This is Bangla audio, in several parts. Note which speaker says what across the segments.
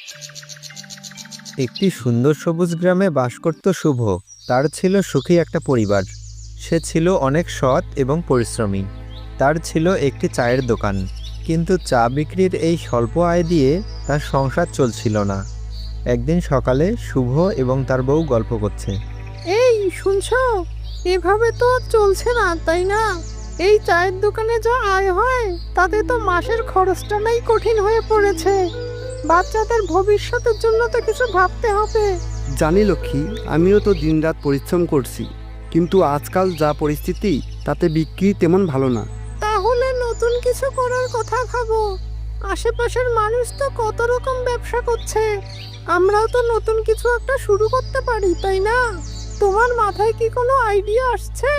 Speaker 1: একটি সুন্দর সবুজ গ্রামে বাস করত শুভ। তার ছিল সুখী একটা পরিবার। সে ছিল অনেক সৎ এবং পরিশ্রমী। তার ছিল একটি চায়ের দোকান, কিন্তু চা বিক্রির এই স্বল্প আয় দিয়ে তার সংসার চলছিল না। একদিন সকালে শুভ এবং তার বউ গল্প করছে।
Speaker 2: এই শুনছো, এভাবে তো আর চলছে না, তাই না? এই চায়ের দোকানে যা আয় হয় তাতে তো মাসের খরচটা নাই কঠিন হয়ে পড়েছে। বাচ্চাদের ভবিষ্যতের জন্য তো কিছু ভাবতে হবে।
Speaker 3: জানি লক্ষ্মী, আমিও তো দিনরাত পরিশ্রম করছি, কিন্তু আজকাল যা পরিস্থিতি তাতে বিক্রি তেমন ভালো না।
Speaker 2: তাহলে নতুন কিছু করার কথা ভাবো। আশেপাশের মানুষ তো কত রকম ব্যবসা করছে, আমরাও তো নতুন কিছু একটা শুরু করতে পারি, তাই না? তোমার মাথায় কি কোনো আইডিয়া আসছে?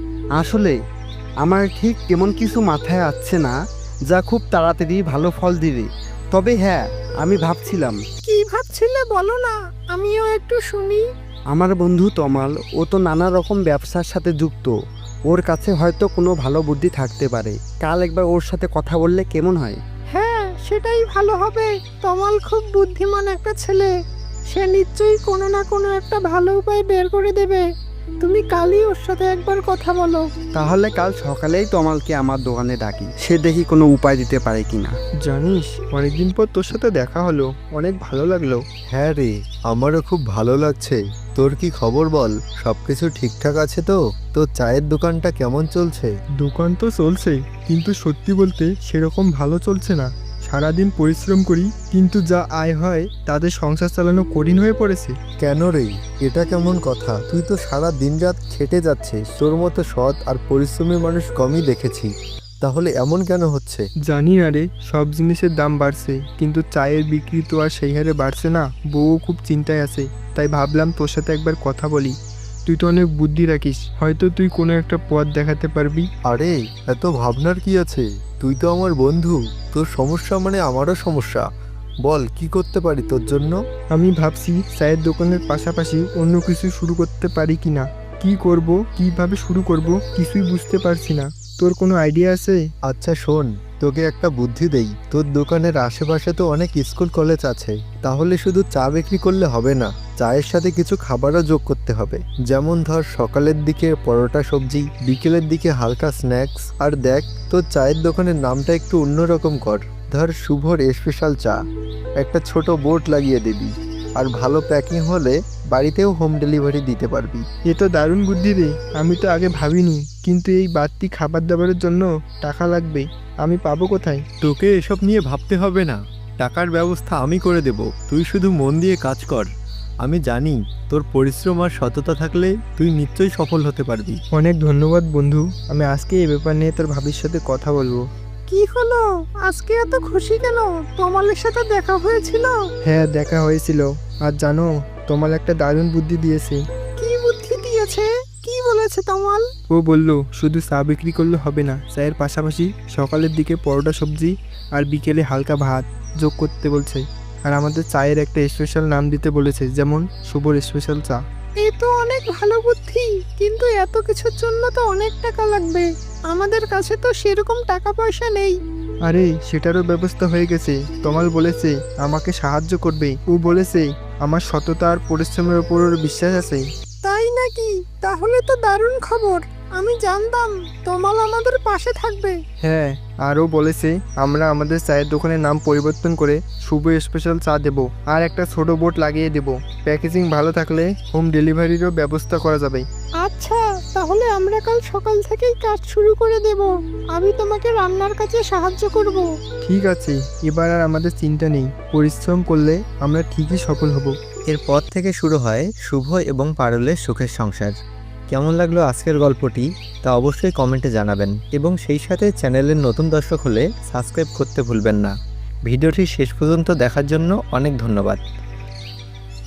Speaker 3: আসলে আমার ঠিক তেমন কিছু মাথায় আসছে না যা খুব তাড়াতাড়ি ভালো ফল দিবে। তবে হ্যাঁ, আমি ভাবছিলাম,
Speaker 2: কি ভাবছিলে বলো না, আমিও একটু শুনি।
Speaker 3: আমার বন্ধু তমাল, ও তো নানা রকম ব্যবসার সাথে যুক্ত। ওর কাছে হয়তো কোনো ভালো বুদ্ধি থাকতে পারে। কাল একবার ওর সাথে কথা বললে কেমন হয়?
Speaker 2: হ্যাঁ, সেটাই ভালো হবে। তমাল খুব বুদ্ধিমান একটা ছেলে, সে নিশ্চয়ই কোনো না কোনো একটা ভালো উপায় বের করে দেবে। তুমি কালই ওর সাথে একবার কথা বলো।
Speaker 3: তাহলে কাল সকালেই তমালকে আমার দোকানে ডাকি, সে দেখি কোনো উপায় দিতে পারে কিনা।
Speaker 4: জানিস, অনেকদিন পর তোর সাথে দেখা হলো, অনেক ভালো লাগলো।
Speaker 1: হ্যাঁ রে, আমারও খুব ভালো লাগছে। তোর কি খবর বল? সবকিছু ঠিকঠাক আছে তো? তোর চায়ের দোকানটা কেমন চলছে?
Speaker 4: দোকান তো চলছেই, কিন্তু সত্যি বলতে সেরকম ভালো চলছে না। সারাদিন পরিশ্রম করি, কিন্তু যা আয় হয় তাদের সংসার চালানো কঠিন হয়ে পড়েছে।
Speaker 1: কেন রে, এটা কেমন কথা? তুই তো সারা দিন রাত খেটে যাচ্ছিস। তোর মতো সৎ আর পরিশ্রমী মানুষ কমই দেখেছি। তাহলে এমন কেন হচ্ছে?
Speaker 4: জানি না রে, সব জিনিসের দাম বাড়ছে, কিন্তু চায়ের বিক্রি তো আর সেই হারে বাড়ছে না। বউও খুব চিন্তায় আছে, তাই ভাবলাম তোর সাথে একবার কথা বলি। তুই তো অনেক বুদ্ধি রাখিস, হয়তো তুই কোনো একটা পথ দেখাতে পারবি।
Speaker 1: আরে, এত ভাবনার কি আছে? তুই তো আমার বন্ধু। তোর সমস্যা মানে আমারও সমস্যা। বল, কি করতে পারি তোর জন্য?
Speaker 4: আমি ভাবছি চায়ের দোকানের পাশাপাশি অন্য কিছু শুরু করতে পারি কিনা। কি করব, কিভাবে শুরু করব, কিছুই বুঝতে পারছি না। তোর কোনো আইডিয়া আছে?
Speaker 1: আচ্ছা শোন, তোকে একটা বুদ্ধি দেই। তোর দোকানের আশেপাশে তো অনেক স্কুল কলেজ আছে। তাহলে শুধু চা বিক্রি করলে হবে না, চায়ের সাথে কিছু খাবারও যোগ করতে হবে। যেমন ধর, সকালের দিকে পরোটা সবজি, বিকেলের দিকে হালকা স্ন্যাক্স। আর দেখ, তোর চায়ের দোকানের নামটা একটু অন্যরকম কর। ধর, শুভর স্পেশাল চা। একটা ছোট বোর্ড লাগিয়ে দিবি। আর ভালো প্যাকিং হলে বাড়িতেও হোম ডেলিভারি দিতে পারবি।
Speaker 4: এ তো দারুণ বুদ্ধি রে, আমি তো আগে ভাবিনি। কিন্তু এই বাড়তি খাবার দাবারের জন্য টাকা লাগবে, আমি পাবো কোথায়?
Speaker 1: তোকে এসব নিয়ে ভাবতে হবে না, টাকার ব্যবস্থা আমি করে দেব। তুই শুধু মন দিয়ে কাজ কর। আমি জানি তোর পরিশ্রম আর সততা থাকলে তুই নিশ্চয়ই সফল হতে পারবি।
Speaker 4: অনেক ধন্যবাদ বন্ধু, আমি আজকে এই ব্যাপার নিয়ে তোর ভাবির সাথে কথা বলবো।
Speaker 2: কি হলো, আজকে এত খুশি কেন? তমালের সাথে দেখা হয়েছিল?
Speaker 4: হ্যাঁ, দেখা হয়েছিল। আর জানো, তোমার একটা দারুণ বুদ্ধি দিয়েছে।
Speaker 2: কি বুদ্ধি দিয়েছে? কি বলেছে তমাল?
Speaker 4: ও বলল শুধু চা বিক্রি করলে হবে না, চায়ের পাশাপাশি সকালের দিকে পরোটা সবজি আর বিকেলে হালকা ভাত যোগ করতে বলছে। আর আমাদের চায়ের একটা স্পেশাল নাম দিতে বলেছে, যেমন শুভর স্পেশাল চা।
Speaker 2: এই তো অনেক ভালো বুদ্ধি, কিন্তু এত কিছুর জন্য তো অনেক টাকা লাগবে। আমাদের কাছে তো সেরকম টাকা পয়সা নেই।
Speaker 4: আরে, সেটারও ব্যবস্থা হয়ে গেছে। তমাল বলেছে আমাকে সাহায্য করবে। ও বলেছে আমার সততা আর পরিশ্রমের উপর ওর বিশ্বাস আছে।
Speaker 2: তাই নাকি? তাহলে তো দারুণ খবর। আমি জানতাম তমাল আমাদের পাশে থাকবে।
Speaker 4: হ্যাঁ, আরও বলেছে আমরা আমাদের চায়ের দোকানের নাম পরিবর্তন করে শুভ স্পেশাল চা দেব, আর একটা ছোট বোর্ড লাগিয়ে দেব। প্যাকেজিং ভালো থাকলে হোম ডেলিভারিরও ব্যবস্থা করা যাবে।
Speaker 2: আচ্ছা, তাহলে আমরা কাল সকাল থেকেই কাজ শুরু করে দেব। আমি তোমাকে রান্নার কাজে সাহায্য করব।
Speaker 4: ঠিক আছে, এবার আর আমাদের চিন্তা নেই। পরিশ্রম করলে আমরা ঠিকই সফল হব।
Speaker 1: এরপর থেকে শুরু হয় শুভ এবং পারুলের সুখের সংসার। কেমন লাগলো আজকের গল্পটি তা অবশ্যই কমেন্টে জানাবেন, এবং সেই সাথে চ্যানেলের নতুন দর্শক হলে সাবস্ক্রাইব করতে ভুলবেন না। ভিডিওটি শেষ পর্যন্ত দেখার জন্য অনেক ধন্যবাদ।